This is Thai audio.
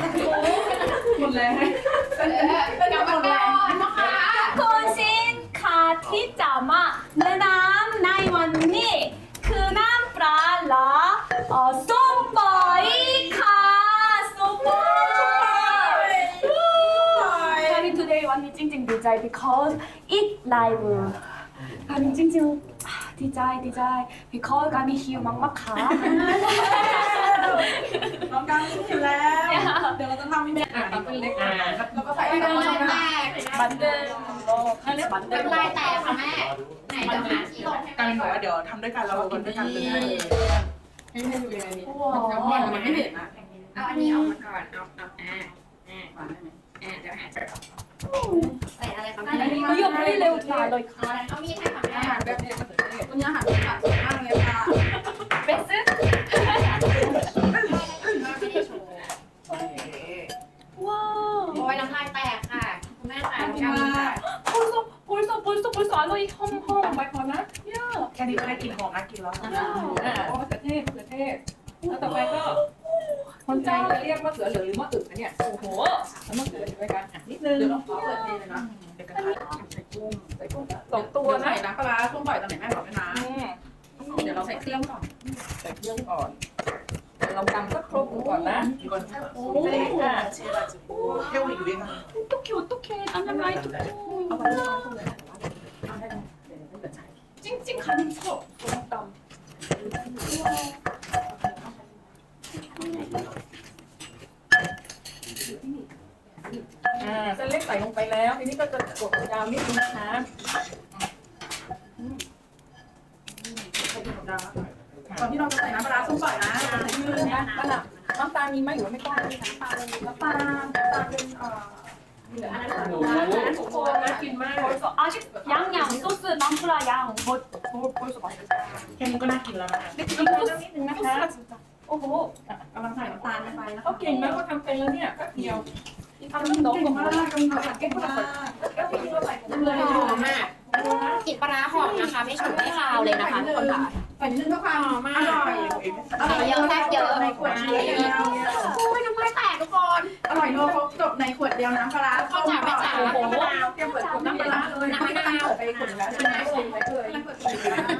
หมดแรงเป็นกำลังแรงนะคะคุณสินค้าที่จะมาแนะนำในวันนี้คือน้ำปลาละส้มปล่อยค่ะส้มปล่อยการที่ today วันนี้จริงๆดีใจ because it live การนี้จริงๆดีใจbecause การมีหิวมากๆค่ะน้องกลางกินอยู่แล้ว เดี๋ยวเราจะทำเป็นเล็กแล้วก็ใส่ไปในน้ำแตก 만든 거 칼레 เป็น 만든 ลาย 거 แตกค่ะแม่ ไหนเดี๋ยวหาที่ลงให้กลางบอกว่าเดี๋ยวทำด้วยกันเรากินด้วยกันเลยให้ดูยังไงนี่มันไม่เห็นอ่ะเอาอันนี้ออกมาก่อน เอาเดี๋ยวหาใส่อะไรคะแม่ 이거 플레이레오 다 너희 가 เอามีดให้ค่ะแม่อาหารแบบนี้มันถึงได้คุณย่าอาหารแบบสวยมากเลยค่ะ 베스 ไม่ได้โชว์ 와 โอ้ยน้ำลายแตกค่ะคุณแม่ค่ะ 벌써 알로이 험험 말거나 야 แค่นี้ก็ได้กินหอมน่ากินแล้วโอ้มะเขือเทศแล้วต่อไปก็คนใจจะเรียกมะเขือเหลืองหรือมะอึกนะเนี่ย 오호 แล้วมะเขืออยู่ด้วยกันนิดนึงเดี๋ยวเราขอเปิดเทเลยนะเดี๋ยวกระทะใส่กุ้ง 2 ตัวใส่นะน้ำปลาช่วงบ่อยตอนไหนแม่บอกไหมนะเดี๋ยวเราใส่เครื่องก่อนใส่เครื่องก่อนเราตำสักครบก่อนนะก่อนโอ้ค่ะเที่ยวอยู่ด้วยกัน 어떡해 안나라이 뚜꾸 เอาไปเลยเอาได้เลยเดี๋ยวเปิดใช้ 찡찡 가는 척 너무 땀 เส้นเล็กใส่ลงไปแล้วทีนี้ก็จะกดยาวนิดนึงนะคะตอนที่เราจะใส่น้ำปลาส้มปล่อยนะน้ำตาลมีไหมหรือว่าไม่ต้องน้ำปลาเป็นอันนั้นโอ้โหทุกคนน่ากินมาก 벌써 아직 양양 소스 남프라 양 벌써 맛있어 แค่นี้ก็น่ากินแล้วนะคะนิดนึงนะคะ 진짜 오호 กำลังใส่น้ำตาลไปนะเขาเก่งนะเขาทำเป็นแล้วเนี่ยแป๊บเดียวทำน้องเก่งมากกำลังเก่งมากเลยหอมมากกลิ่นปลาร้าหอมนะคะ ไม่ฉุนไม่คาวเลยนะคะทุกคนค่ะใส่นิดนึงก็ความอร่อยอร่อยเยอะแซ่บเยอะในขวดเดียวโอ้ยน้ำลายแตกทุกคนอร่อยนัวครบจบในขวดเดียวน้ำปลาเข้าจ๋าไม่จ๋าโอ้โหเตรียมเปิดขวดน้ำปลาเลยน้ำปลาเปิดไปขวดแล้วใช่ไหมใส่ไปเลยเปิด